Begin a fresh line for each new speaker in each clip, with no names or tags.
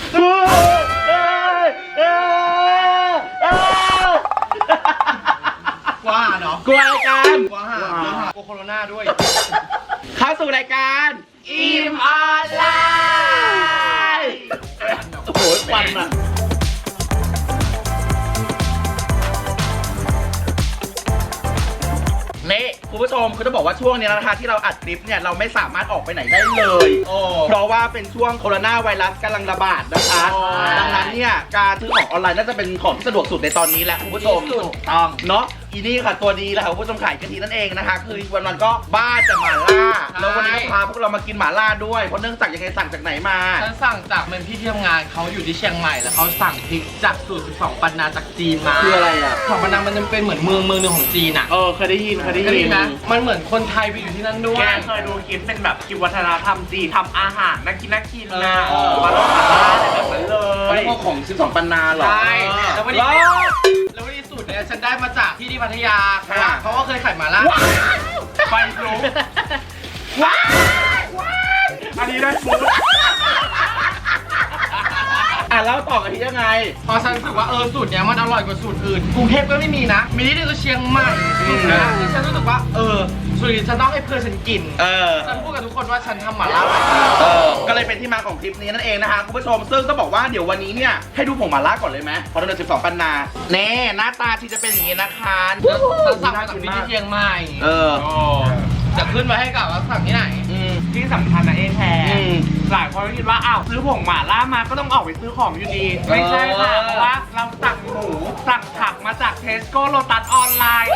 กว่าเนาะ
กลัวรายการ
กว่าโคโรนาด้วย
เข้าสู่รายการอิ่มออนไลน์โอ้โหควันอ่ะนี่คุณผู้ชมคือจะบอกว่าช่วงนี้นะคะที่เราอัดคลิปเนี่ยเราไม่สามารถออกไปไหนได้เลยเพราะว่าเป็นช่วงโคโรนาไวรัสกำลังระบาดนะคะดังนั้นเนี่ยการซื้อของออนไลน์น่าจะเป็นของที่สะดวกสุดในตอนนี้แหละคุณผู้ชมต้องเนาะอีนี่ค่ะตัวดีแหละค่ะคุณผู้ชมขายกะทินั่นเองนะคะคือวันๆก็บ้าจะหม่าล่าแล้ววันนี้ก็พาพวกเรามากินหม่าล่าด้วยเพราะเนื่องจากยังไงสั่งจากไหนมา
ฉันสั่งจากเป็นพี่ที่ทำงานเขาอยู่ที่เชียงใหม่แล้วเขาสั่งพริกจากสูตร12 ปันนาจากจีนมา
คืออะไรอ่ะ
12 ปันนามันจะเป็นเหมือนเมืองหนึ่งของจีนอ่ะ
เคยได้ยิน
นะมันเหมือนคนไทยไปอยู่ที่นั่นด้วย
แกเคยดูคลิปเป็นแบบคลิปวัฒนธรรมจีนทำอาหารน่ากินนะมาลองหม่าล่าอะไรแบบนั้นเลย
แล้วก็ของ12 ปันนาเหรอ
ใช่แล้ววันนี้สูตรเนี่ยฉันได้มาจากที่พัทยาเขาก็เคยขายหม่าล่า
ไฟลุกว้าวอันนี้ได้ฟูด
แล้วต่อกันที่ยังไง
พอฉันรู้สึกว่าสูตรเนี้ยมันอร่อยกว่าสูตรอื่นกรุงเทพก็ไม่มีนะมีที่เดียวก็เชียงใหม่นะที่ฉันรู้สึกว่าสูตรนี้ฉันต้องให้เพื่อนฉันกินฉันพูดกับทุกคนว่าฉันทำหม่าล่า
ก็เลยเป็นที่มาของคลิปนี้นั่นเองนะคะคุณผู้ชมซึ่งต้องบอกว่าเดี๋ยววันนี้เนี่ยให้ดูผงหม่าล่าก่อนเลยไหมพอเรา12 ปันนาแน่หน้าตาที่จะเป็นอย่างนี้นะคะ
ฉันสั่งมาจากที่เชียงใหม่จะขึ้นมาให้กับว่าสั่งที่ไหน
ที่สำคัญนะแพรหลายคนก็คิดว่าซื้อผงหม่าล่ามาก็ต้องออกไปซื้อของอยู่ดีไม่ใช่ค่ะเพราะว่าเราสั่งหมูสั่งผักมาจากเทสโก้โลตัสออนไลน์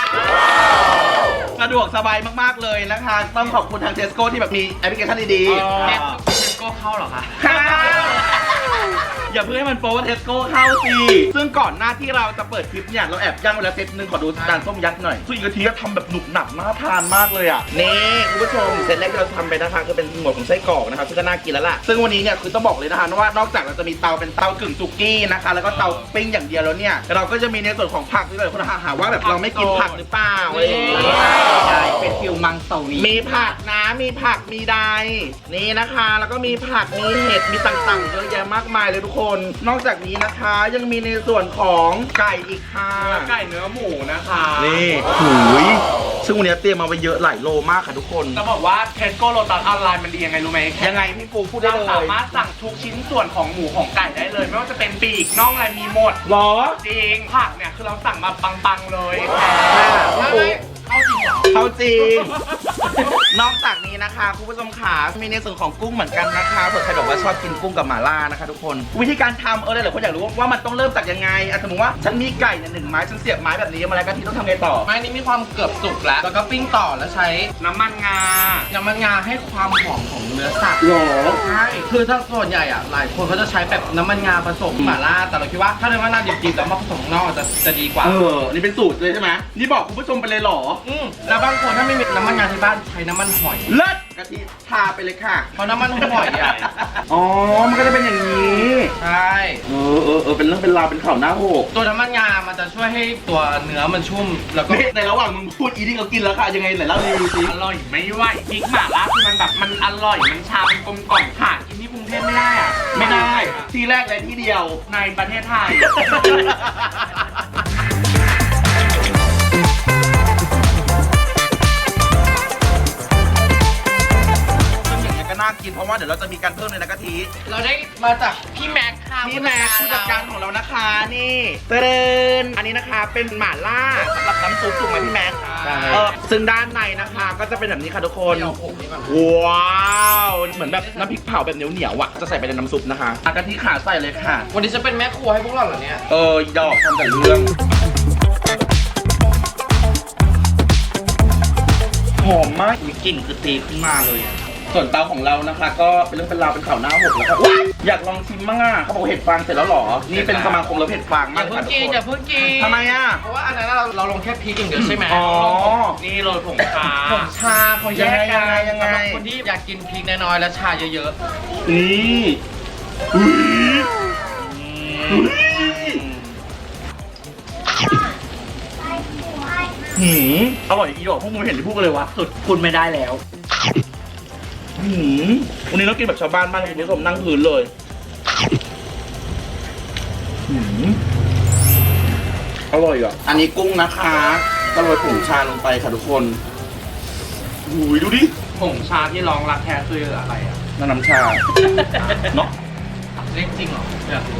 สะดวกสบายมากๆเลยนะคะต้องขอบคุณทางเทสโก้ที่แบบมีแอปพลิเคชันดี
ๆเทสโก้เข้าเหรอคะ
อย่าเพิ่งให้มันโป๊ว่าเทสโก้เข้าสิซึ่งก่อนหน้าที่เราจะเปิดคลิปเนี่ยเราแอบย่างไว้แล้วเซตนึงขอดูจานส้มยักษ์หน่อยซึ่งกะทิทำแบบหนุบหนับน่าทานมากเลยอ่ะนี่คุณผู้ชมเซตแรกที่เราทำไปนะคะคือเป็นหมวดของไส้กรอกนะครับซึ่งก็น่ากินแล้วล่ะซึ่งวันนี้เนี่ยคือต้องบอกเลยนะคะว่านอกจากเราจะมีเตาเป็นเตากึ่งสุกี้นะคะแล้วก็เตาปิ้งอย่างเดียวแล้วเนี่ยเราก็จะมีในส่วนของผักด้วยคนหาว่าแบบเราไม่กินผักหรือเปล่าอะไรอย่างเงี้ย
ใช่เป็นฟิวมังสวิ
มีผักนะมีผักมีใดนี่นะคะแล้วก็มีผักมีเห็ดมีต่างๆเยอะแยะมากมายเลยทุกคนนอกจากนี้นะคะยังมีในส่วนของไก่อีกค่ะ
ไก่เนื้อหมูนะคะ
นี่หูยซึ่งวันนี้เตรียมมาไปเยอะหลายโลมากค่ะทุกคน
จะบอกว่าเทสโก้โลตัสออนไลน์มันดียังไงรู้ไหม
ยังไงพี่ปูพูดได้เลย
เราสามารถสั่งทุกชิ้นส่วนของหมูของไก่ได้เลยไม่ว่าจะเป็นปีกน่องอะไรมีหมด
หรอ
จริงผักเนี่ยคือเราสั่งมาปังๆเลย
เขาจริงนอกจากนี้นะคะคุณผู้ชมขามีในส่วนของกุ้งเหมือนกันนะคะเผื่อใครบอกว่าชอบกินกุ้งกับหม่าล่านะคะทุกคนวิธีการทำหลายคนอยากรู้ว่ามันต้องเริ่มจากยังไงสมมติว่าฉันมีไก่1 ไม้ฉันเสียบไม้แบบนี้มาแล้วกันที่ต้องทำไงต่อ
ไม้นี้มีความเกือบสุกแล้วก็ปิ้งต่อแล้วใช้
น้ำมันงา
ให้ความหอมของเนื้อสัตว์
หรอ
ใช่คือถ้าส่วนใหญ่หลายคนเขาจะใช้แบบน้ำมันงาผสมหม่าล่าแต่เราคิดว่าถ้าน้ำมันงาดิบๆแล้วมาผสมนอกจะดีกว่า
นี่เป็นสูตรเลยใช่ไหมนี่บอกคุณผู้ชมไปเลยหรอ
แล้วบางคนถ้าไม่มีน้ำมันงาที่บ้านใช้น้ำมันหอย
เลิศกะทิทาไปเลยค่ะ
เพราะน้ำมันหอย
มันก็จะเป็นอย่างนี้
ใช่
เป็นเรื่องเป็นราวเป็นข่าวหน้าโหก
ตัวน้ำมันงามันจะช่วยให้ตัวเนื้อมันชุ่มแล้วก็
ในระหว่างมึงพูดอีที่เขากินแล้วค่ะยังไงไหนเล่าดีสิ
อร่อยไม่ไหวพริกหม่าล่าคือมันแบบมันอร่อยมันชามันกลมกล่อมหากินที่กรุงเทพไม่ได้
ไม่ได้ที่แรกเลยที่เดียว
ในประเทศไทย
น่ากินเพราะว่าเดี๋ยวเราจะมีการเพิ่มเลยนะกะทิ
เราได้มาจากพี่แม็กค่ะ
พี่แม็กผู้จัดการของเรานะคะนี่เตือนอันนี้นะคะเป็นหม่าล่าสำหรับน้ำซุปถูกไหมพี่แม็กซึ่งด้านในนะคะก็จะเป็นแบบนี้ค่ะทุกคนว้าวเหมือนแบบน้ำพริกเผาแบบเหนียวๆอ่ะจะใส่ไปในน้ำซุปนะคะกะทิขาใส่เลยค่ะ
วันนี้จะเป็นแม่ครัวให้พวกเราเหรอเนี่ย
ดอกทำแต่เรื่องหอมมากมีกลิ่นคือตีขึ้นมาเลยส่วนเตาของเรานะคะก็เป็นเรื่องเป็นราวเป็นข่าวหน้าหกแล้วครับอยากลองชิมมั่งเขาบอกเห็ดฟางเสร็จแล้วหรอนี่เป็นสมาคมเราเห็ดฟางมาก
อย่าเพิ่งกิน
ทำไม
เพราะว่าอันนั้นเราลงแค่พริกอย่างเดียวใช่ไหม
นี่โรยผงชา
เขาแยกกันสำหรับคนที่อยากกินพริกน้อยๆและชาเยอะ
ๆนี่อร่อยอีดอกพวกมึงเห็นที่พูดกันเลยวะสุดคุณไม่ได้แล้ววันนี้เรากินแบบชาวบ้านมากคุณผู้ชมนั่งพื้นเลยอร่อยอ่ะ อันนี้กุ้งนะคะก็โรยผงชาลงไปค่ะทุกคนอุ้ยดูดิ
ผงชาที่รองรักแท้คืออะไรอ่ะ
น้ำชาเนาะ
เล่นจริงเหรออยากรู้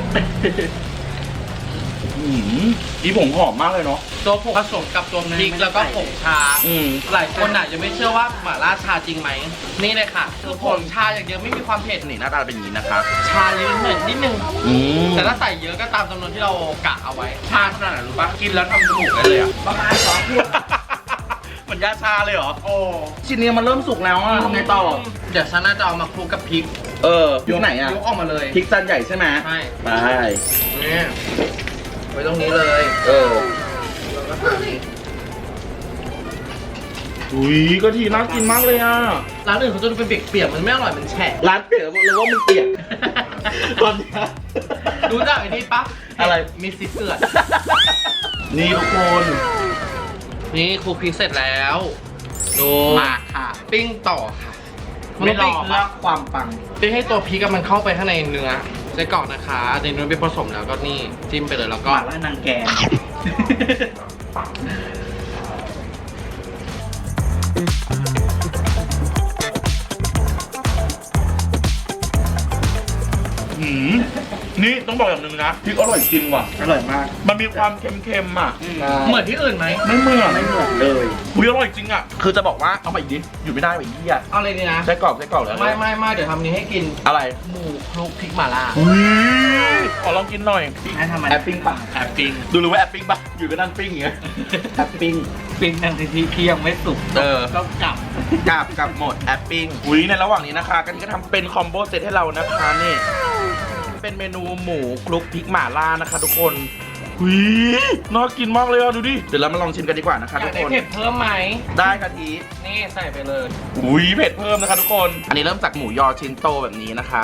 อีผงหอมมากเลยเนาะ
ตัวผงผสมกับตัวพริกแล้วก็ผงชา หลายคนอาจจะไม่เชื่อว่าหม่าล่าชาจริงไหม นี่เลยค่ะคือผงชาอย่างเดียวไม่มีความเผ็ด
นี่หน้าตาเป็นอย่างนี้นะคะ
ชาลิ้นเหม็นนิดนึง
แต่
แต่ถ้าใส่เยอะก็ตามจำนวนที่เรากะเอาไว้
ชาขนาดไหนรู้ปะกินแล้วทำจมูกได้เลยอ่ะประมาณ2 ขวด
เหมือนยาชาเลยเหรอ
โอ้
ชิ้นนี้มันเริ่มสุกแล้วอะทำไงต่อ
เดี๋ยวฉันน่าจะเอามาคลุกกับพริก
ยกไหนอะ
ยกออกมาเลย
พริกจานใหญ่ใช่ไหม
ใช่
ไป
นี่ไว้ตรงนี้เลย แล้วก็ทานนี่
อุ้ยกะทิน่ากินมากเลยอะ
ร้านอื่นเขาจะดูเป็นเปียกๆมันไม่อร่อยมันแฉะ
ร้านเปียกเลยว่ามึงเปียก ตอนเนี้ย
รู้จักไอ้นี่ปะ
อะไร
มีซิเกลือด
นี่ทุกคน
นี่คลุกพริกเสร็จแล้วดู
มาค่ะ
ปิ้งต่อค่ะ
ไม่รอ
ปิ้ง
เพื่อความปัง
ปิ้งให้ตัวพริกอะมันเข้าไปข้างในเนื้อไส้กรอกนะคะในเนื้อไปผสมแล้วก็นี่จิ้มไปเลยแล้วก็
หม่าล่านางแกง
นี่ต้องบอกอย่างหนึ่งนะพริกอร่อยจริงว่ะ
อร่อยมาก
มันมีความเค็มๆอ่ะ
เหมือนที่อื่นไหม
ไม่เหมือน
ไม่เหมือนเลย
อุ้ยอร่อยจริงอ่ะ คือจะบอกว่าเอามาอีกดิอยู่ไม่ได้แบบนี้อ่ะ
เอาเลยนี่นะ
ไส้กรอกแล้ว
ไม่เดี๋ยวทำนี้ให้กิน
อะไร
หมูคลุกพริกหม่าล่า
อุ้ยขอลองกินหน่อย
ให้ทำไม
แอปปิ้งป่ะ
แอบปิ้ง
ดูรู้ว่าแอปปิ้งป่ะอยู่ก็นั่งปิ้งอย่างเงี้ย
แอบปิ้งปิ้งนั่งที่ยังไม่สุก ก็กลับ
กับหมดแอปปิ้งอุ้ยในระหว่างนี้นะคะกันก็ทำเป็นคอมโบเซตให้เรานะคะนี่เป็นเมนูหมูคลุกพริกหม่าล่านะคะทุกคนอุ้ยน่ากินมากเลยอ่ะดูดิเดี๋ยวเรามาลองชิมกันดีกว่านะคะ
อ
ทุ
ยาก
ก
ได้
คน
เผ็ดเพิ่มไหม
ได้ค่ะที
นี่ใส่ไปเลย
อุ้ยเผ็ดเพิ่มนะคะทุกคน อันนี้เริ่มจากหมูยอชิ้นโตแบบนี้นะคะ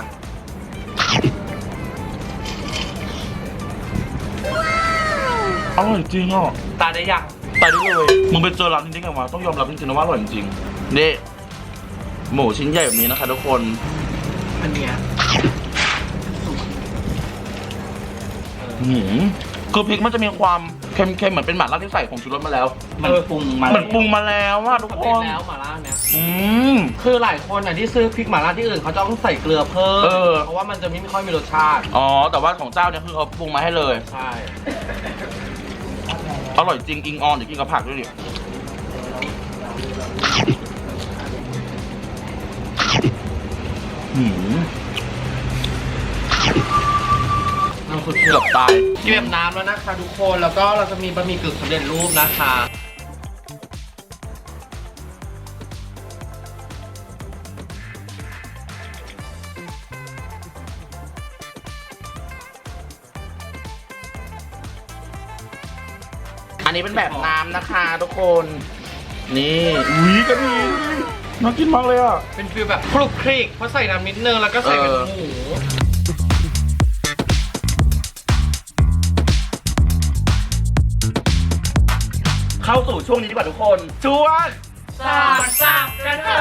อร่อยจริงอ่ะ
ตาได้ยัง
ตายได้เลยมึงไปเจอร้านนี้ได้ไงวะต้องยอมรับจริงๆนะว่าอร่อยจริงๆนี่หมูชิ้นใหญ่แบบนี้นะคะทุกคน
อันเนี้ย
คือพริกมันจะมีความเค็มๆเหมือนเป็นหม่าล่าที่ใส่ผงชูรสมาแล้ว
มันปรุงมา
เหมือนปรุงมาแล้วว่าทุก
ปก
ค
ติ
น
แล้วหม่าล่าเนี่ย
อืม
คือหลายคนอ่ะที่ซื้อพริกหม่าล่าที่อื่นเขาจะต้องใส่เกลือเพิ่ม เพราะว่ามันจะไม่ค่อยมีรสชาติ
อ๋อแต่ว่าของเจ้าเนี่ยคือเขาปรุงมาให้เลย
ใช่
อร่อยจริงอิงออนเดี๋ยวกินกับผักด้วยดิหืม
น้ำซุป
เกือบตาย
เตรียมน้ำแล้วนะคะทุกคนแล้วก็เราจะมีบะหมี่กึ่งสำเร็จรูปนะคะ
อันนี้เป็นแบบน้ำนะคะทุกคนนี่อุ้ยกะทิน่ากินมากเลยอ่ะ
เป็นฟีลแบบคลุกคลิกเพราะใส่น้ำนิดนึงแล้วก็ใส่เป็นหมู
เข้าสู่ช่วงนี้ดีกว่าทุกคนช่วง
สับกันเลย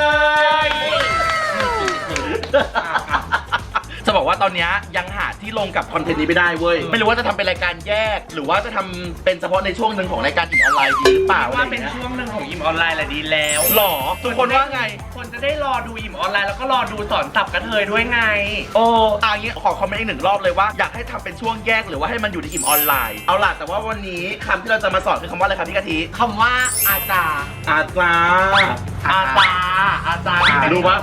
จะบอกว่าตอนนี้ยังหาที่ลงกับคอนเทนต์นี้ไม่ได้เว้ย ไม่รู้ว่าจะทำเป็นรายการแยก หรือว่าจะทำเป็นเฉพาะในช่วงหนึ่งของรายการอิ่มออนไลน์ดีหรือเปล่า
ว่าเป็นช่วงหนึ่งของอิ่มออนไลน์แหละดีแล้ว
หรอทุกคนว่าไง
คนจะได้รอดูอิ่มออนไลน์แล้วก็รอดูสอนสับกระเทยด้วยไง
โอ้อย่างงี้ขอคอมเมนต์อีกหนึ่งรอบเลยว่าอยากให้ทำเป็นช่วงแยกหรือว่าให้มันอยู่ในอิ่มออนไลน์ เอาล่ะแต่ว่าวันนี้คำที่เราจะมาสอนคือคำว่าอะไรครับพี่กะทิ
คำว่าอาจารย์
อาจารย์
อาจารย์
ดูปะ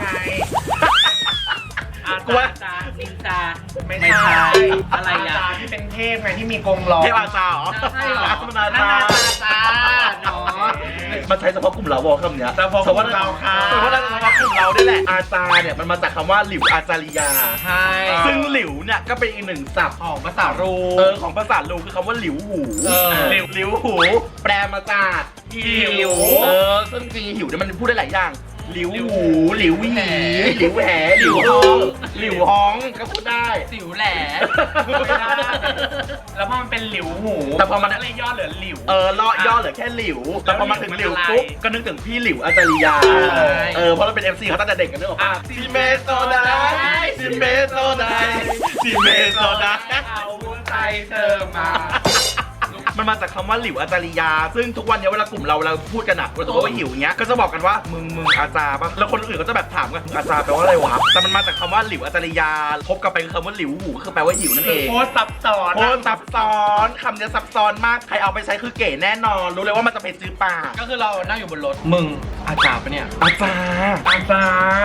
อา
กูว่า
จารย์นินจาไม่
ไม่
ใช่
ใช่
อะไรอ่ะอาจารย์ที่เป็นเทพไงที่มีกรงล้อ
เทพอาจารย์เหรอ
ใช่เหรอ
มันอาจารย์
อาจารย์เนาะ
มันใช้เฉพาะกลุ่มเราบอกคำเนี้ย
เฉพาะกลุ่มเราค่ะ
แต่ว่าเราเฉพาะกลุ่มเราได้แหละ อาจารย์เนี่ยมันมาจากคำว่าหลิวอาจาริยา
ใช่
ซึ่งหลิวเนี่ยก็เป็นอีกหนึ่งศัพท์
ของภาษารู
ของภาษาลูคือคำว่าหลิวหู
หลิ
หลิวหู แปลมาจากหิวซึ่งจริงๆหิวเนี่ยมันพูดได้หลายอย่างหลิวหูหลิวหยีหลิวแหหลิวฮ้องหลิวฮ้องก็พูดได้
สิวแหล
ไม่ได้แล้วพอมันเป็นหลิวหู
แต่พอมัน
ก็เลยย่อเหลือหลิว
เลาะย่อเหลือแค่หลิว แต่พอมาถึงหลิวปุ๊บก็นึกถึงพี่หลิวอาจาริยา เพราะเราเป็น MC เขาตั้งแต่เด็กกันเนอะ ซิเมโซไดซิเมโซไดซิเมโซได
เอาใจเธอมา
มันมาจากคำว่าหลิวอาจาริยาซึ่งทุกวันนี้เวลากลุ่มเราพูดกันอะเราจะบอกว่าหิวอย่างเงี้ยก็จะบอกกันว่ามึงอาจารย์ปะแล้วคนอื่นก็จะแบบถามกันอาจารย์แปลว่าอะไรวะแต่มันมาจากคำว่าหลิวอาจาริยาพบกันไปคือคำว่าหลิวหูก็คือแปลว่าหิวนั่นเอง
โคตรซับซ้อน
โอ้ซับซ้อนคำนี้ซับซ้อนมากใครเอาไปใช้คือเก๋แน่นอนรู้เลยว่ามันจะเป็นจื้อปาก
ก็คือเรานั่งอยู่บนรถมึงอาจารย์ปะเนี่ย
อาจารย์
อาจารย์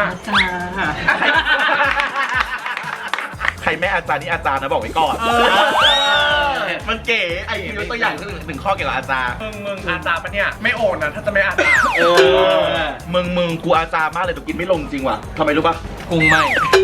ใครแม่อาจารย์นี่อาจารย์นะบอกไว้ก่อนมันเก๋ไอ้ยกตัวอย่างคือหนึ่งข้อเกี่ยวกับอาจารย์
มึงอาจารย์ปะเนี่ยไม่โอนนะถ้าจะไม่อาจารย์
มึงกูอาจารย์มากเลยแต่กินไม่ลงจริงว่ะทำไมรู้ปะ
กุ้งไม่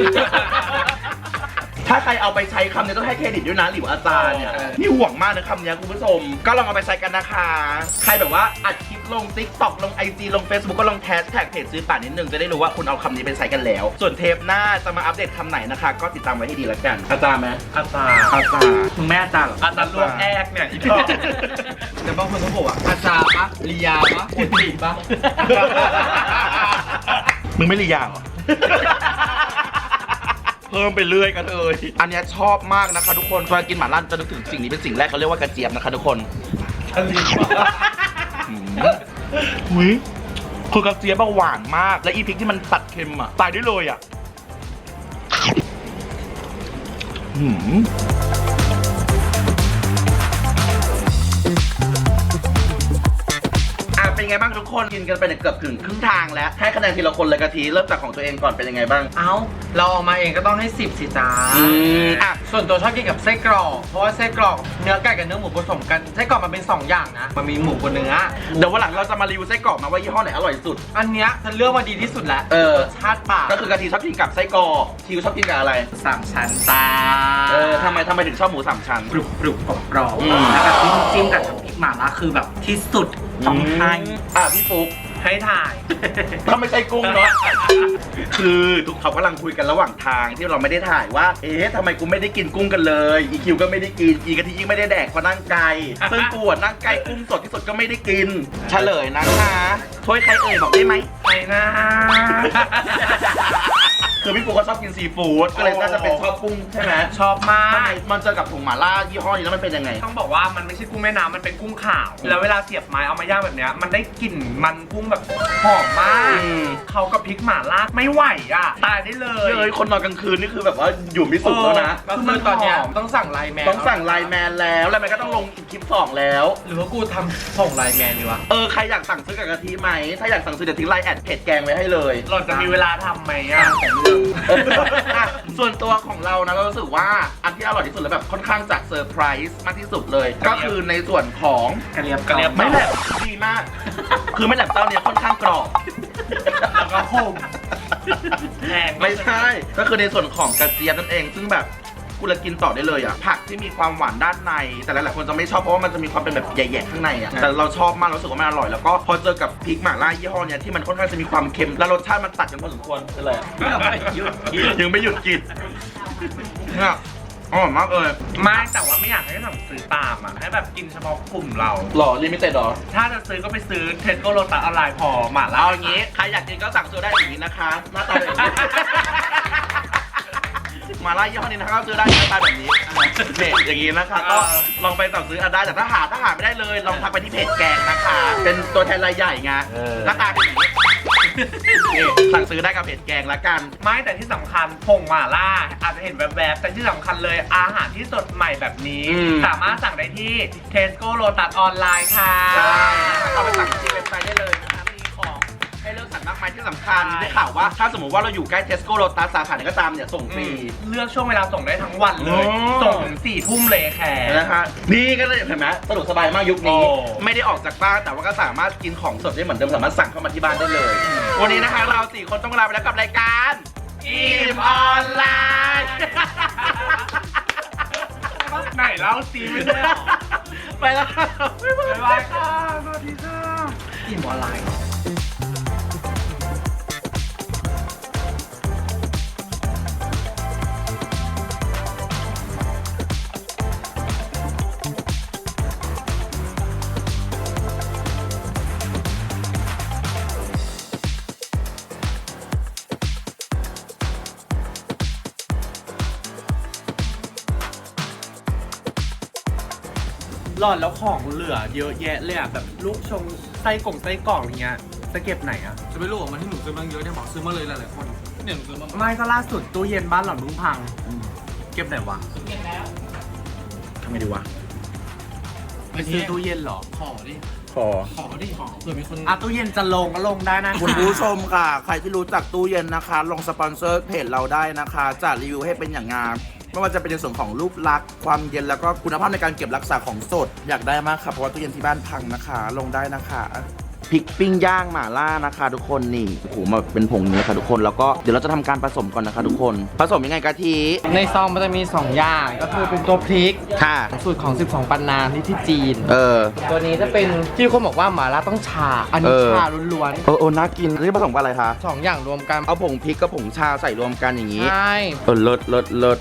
ถ้าใครเอาไปใช้คำนี้ต้องให้เครดิตด้วยนะหลิวอาจารย์เนี่ยนี่ห่วงมากนะคำนี้คุณผู้ชมก็ลองเอาไปใช้กันนะคะใครแบบว่าอัดคลิปลง TikTok ลง IG ลง Facebook ก็ลงแฮชแท็กเพจซื้อป่านิดนึงจะได้รู้ว่าคุณเอาคำนี้ไปใช้กันแล้ว ส่วนเทปหน้าจะมาอัปเดตคำไหนนะคะ ก็ติดตามไว้ให้ดีแล้วกันอาจารย์ไหม
อาจารย์
อาจารย์
มึงแม่อาจารย์เหรออาจารย์ลวกแอกเนี่ยอีกรอบ
แต่บางคนเขาบอกว่าอาจารย์ปะลียาปะคนตีปะ
มึงไม่รียาวเหรอ เพิ่มไปเรื่อยกันเลยอันเนี้ยชอบมากนะคะทุกคนเวลากินหม่าล่าจะนึกถึงสิ่งนี้เป็นสิ่งแรกเขาเรียกว่ากระเจี๊ยบนะคะทุกคนอุ้ยคือกระเจี๊ยบหวานมากและอีพริกที่มันตัดเค็มอ่ะตายได้เลยอ่ะเป็นไงบ้างทุกคนกินกันไปเนี่ยเกือบถึงครึ่งทางแล้วให้คะแนนทีละคนเลยกะทิเริ่มจากของตัวเองก่อนเป็นยังไงบ้าง
เอ้าเราเอามาเองก็ต้องให้10สิจ้า
อ่ะ
ส่วนตัวชอบกินกับไส้กรอกเพราะว่าไส้กรอกเนื้อไก่กับเนื้อหมูผสมกันไส้กรอกมันเป็น2อย่างนะมันมีหมูกับเนื้อ
เดี๋ยววันหลังเราจะมารีวิวไส้กรอกมาว่ายี่ห้อไหนอร่อยสุด
อันเนี้ยฉันเลือกมาดีที่สุดแล้ว รสชาติปาก
ก็คือกะทิชอบกินกับไส้กรอกทิวชอบกินกับอะไร
3 ชั้นตา
ทำไมถึงชอบหมู3ชั้น
กรุบกรุบกรอบ
อืม
แล้วแบบจิ้มกับน้ำพริกหม่าล่าคือแบบที่สุดของไทย
พี่ฟุ๊ก
ให้ถ่าย
ถ้าไม่ใช่กุ้งเนาะ คือทุกเขากำลังคุยกันระหว่างทางที่เราไม่ได้ถ่ายว่า เอ๊ะทำไมกูไม่ได้กินกุ้งกันเลย อีคิวก็ไม่ได้กิน อีกะทิยิ่งไม่ได้แดกเพราะนั่งไกล ซึ่งกูอะนั่งใกล้กุ้งสดที่สุดก็ไม่ได้กิน เฉลยนะคะถ้วยใครเอ่ยบอกได้ไหม
ไปนะ
คือพี่ปูก็ชอบกินซีฟู้ดก็เลยน่าจะเป็นชอบกุ้งใช่ไหม
ชอบมา
ทำไม
ก
มันเจอกับถุงหม่าล่ายี่ห้อนี้แล้วมันเป็นยังไง
ต้องบอกว่ามันไม่ใช่กุ้งแม่น้ำมันเป็นกุ้งขาว แล้วเวลาเสียบไม้เอามาย่างแบบเนี้ยมันได้กลิ่นมันกุ้งแบบหอมมาก
อืม
เขากับพริกหม่าล่าไม่ไหวอ่ะตายได้เลย
เฮ้ยคนนอนกลางคืนนี่คือแบบว่าอยู่ไม่สุขแล้วนะ
ก็คือตอนเนี้ยต้องสั่งไลน์แมน
ต้องสั่งไลน์แมนแล้วไลน์แมนก็ต้องลงอีกคลิป2แล้ว
หรือว่ากูทำส่งไลน์แมนดีวะ
ใครอยากสั่งซื้อกับกะทิไหมถ้าอยากสั่งซื้อเดี๋ยวทิ้งไลน์แอดเพจแกงไว้ให้เลย
เราจะมีเวลาทำไหมอ่ะ
ส่วนตัวของเรานะเรารู้สึกว่าอันที่อร่อยที่สุดและแบบค่อนข้างจะเซอร์ไพรส์มากที่สุดเลย ก็คือในส่วนของ
กระเลียบ
กระเลียบ
ไม่แหลบดีมาก คือไม่แหลบเต้าเนี่ยค่อนข้างกรอบ
แล้วก็โฮมแพง
ไม่ใช่ ก็คือในส่วนของกระเจี๊ยบนั่นเอง ซึ่งแบบกูละกินต่อได้เลยอ่ะ ผักที่มีความหวานด้านใน แต่หลายๆคนจะไม่ชอบเพราะว่ามันจะมีความเป็นแบบแย่ๆข้างในอ่ะ แต่เราชอบมากรู้สึกว่ามันอร่อย แล้วก็พอเจอกับพริกหม่าล่ายี่ห้อเนี้ยที่มันค่อนข้างจะมีความเค็ม และรสชาติมันตัดกันพอสมควรเป็นไรอะยังไม่หยุดกินเนี่ยอร่อยมากเลย
ไม่แต่ว่าไม่อยากให้สั่งซื้อตามอ่ะให้แบบกินเฉพาะกลุ่มเรา
หล่อลิมิเต็ดหรอ
ถ้าจะซื้อก็ไปซื้อเทสโก้โลตัสออนไลน์พอหม่าล่า
เอาอย่างงี้ ใครอยากกินก็สั่งซื้อได้อย่างนี้นะคะ หน้าตาแบบนี้ มาล่ายี่ห้อนี้นะคะก็ซื้อได้หน้าตาแบบนี้เนี่ยอย่างนี้นะคะ ก็ลองไปสั่งซื้อได้ แต่ถ้าหาไม่ได้เลย ลองทักไปที่เพจแกงนะคะ เป็นตัวแทนรายใหญ่ไง หน้าตาเป็นอย่างนี้นี่สั่งซื้อได้กับเพจแกงละกัน
ไม่แต่ที่สำคัญผงหม่าล่าอาจจะเห็นแวบๆแต่ที่สำคัญเลยอาหารที่สดใหม่แบบนี้ สามารถสั่งได้ที่เทสโก้โลตัสออนไลน์ค่ะ
ใช่เอาไปสั่งที่เว็บไซต์ได้เลยนะคะมีของให้เลือกสรรมากมายที่สำคัญได้ข่าวว่าถ้าสมมติว่าเราอยู่ใกล้เทสโก้โลตัสสาขาไหนก็ตามเนี่ยส่งฟรี
เลือกช่วงเวลาส่งได้ทั้งวันเลย
โอ้
ส่งถึง4 ทุ่มเลยแค่
นะคะนี่ก็เลยเห็นไหมสะดวกสบายมากยุคนี้
โอ้
ไม่ได้ออกจากบ้านแต่ว่าก็สามารถกินของสดได้เหมือนเดิมสามารถสั่งเข้ามาที่บ้านได้เลย วันนี้นะคะเรา4คนต้องลาไปแล้วกับรายการอิ่มออนไลน์
ไหนเล่าซีไม่ได้หรอ
ไปแล้ว
บ๊ายบายค่ะสวัสดีค่ะ
อิ่มออนไลน์
หลอดแล้วของเหลือเยอะแยะเลยอ่ะแบบลูกชงไส้กล่องอย่างเงี้ยจะเก็บไหนอ่ะ
จะไม่รู้ว่ามันที่หนูซื้อมาเยอะเนี่ยบอกซื้อมาเลยหลายๆคนเนี่ยหนูซื้อมา
ไม่ก็ล่าสุดตู้เย็นบ้านหล่อนเพิ่งพัง เก็บไหนวะ
ทำไงดีวะ
ไปซื้อตู้เย็นเหรอ
ขอดิ
ขอ
ขอดิขอเผื่อมีคน
อ่ะตู้เย็นจะลงก็ลงได้นะ
คุณผู้ชมค่ะ ใครที่รู้จักตู้เย็นนะคะ ลงสปอนเซอร์เพจเราได้นะคะจะรีวิวให้เป็นอย่างงามไม่ว่าจะเป็นในส่วนของรูปลักษณ์ความเย็นแล้วก็คุณภาพในการเก็บรักษาของสดอยากได้มากค่ะเพราะว่าตู้เย็นที่บ้านพังนะคะ ลงได้นะคะพริกปิ้งย่างหม่าล่านะคะทุกคนนี่โอ้โหมาเป็นผงนี้ค่ะทุกคนแล้วก็เดี๋ยวเราจะทำการผสมก่อนนะคะทุกคนผสมยังไงกะทิ
ในซองมันจะมี 2 อย่างก็คือเป็นตัวพริก
ค่ะ
สูตรของ 12 ปันนาที่จีน
อ
ตัวนี้จะเป็นที่คนบอกว่าหม่าล่าต้องชา อันนี้ชาล้วน
น่ากินนี่ผสมกับอะไรคะ
ๆ2 อย่างรวมกัน
เอาผงพริกกับผงชาใส่รวมกันอย่างนี้
ใช่
เลิศ